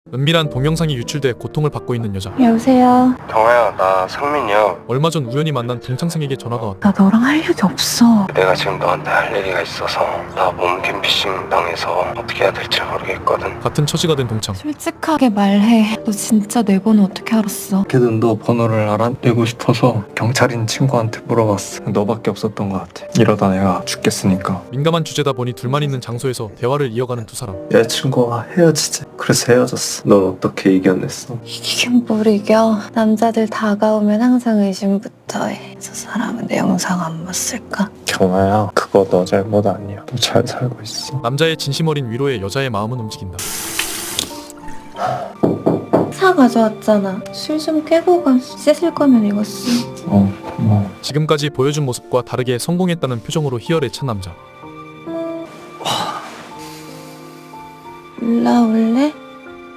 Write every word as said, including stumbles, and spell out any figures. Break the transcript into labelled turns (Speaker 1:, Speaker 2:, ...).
Speaker 1: 은밀한 동영상이 유출돼 고통을 받고 있는 여자.
Speaker 2: 여보세요.
Speaker 3: 경아야, 나 상민이야.
Speaker 1: 얼마 전 우연히 만난 동창생에게 전화가 왔다.
Speaker 2: 나 너랑 할 일이 없어.
Speaker 3: 내가 지금 너한테 할 얘기가 있어서 나 몸캠피싱 당해서 어떻게 해야 될지 모르겠거든.
Speaker 1: 같은 처지가 된 동창.
Speaker 2: 솔직하게 말해. 너 진짜 내 번호 어떻게 알았어?
Speaker 4: 걔는 너 번호를 알아내고 싶어서 경찰인 친구한테 물어봤어. 너밖에 없었던 것 같아. 이러다 내가 죽겠으니까.
Speaker 1: 민감한 주제다 보니 둘만 있는 장소에서 대화를 이어가는 두 사람.
Speaker 4: 여자친구와 헤어지지. 그래서 헤어졌어. 넌 어떻게 이겨냈어?
Speaker 2: 이긴 뭘 이겨. 남자들 다가오면 항상 의심부터 해. 저 사람은 내 영상 안 봤을까?
Speaker 4: 경아야, 그거 너 잘못 아니야. 너 잘 살고 있어.
Speaker 1: 남자의 진심 어린 위로에 여자의 마음은 움직인다.
Speaker 2: 차 가져왔잖아. 술 좀 깨고 가. 씻을 거면 이거 쓰.
Speaker 4: 어, 고마워.
Speaker 1: 지금까지 보여준 모습과 다르게 성공했다는 표정으로 희열에 찬 남자.
Speaker 2: 올라올래?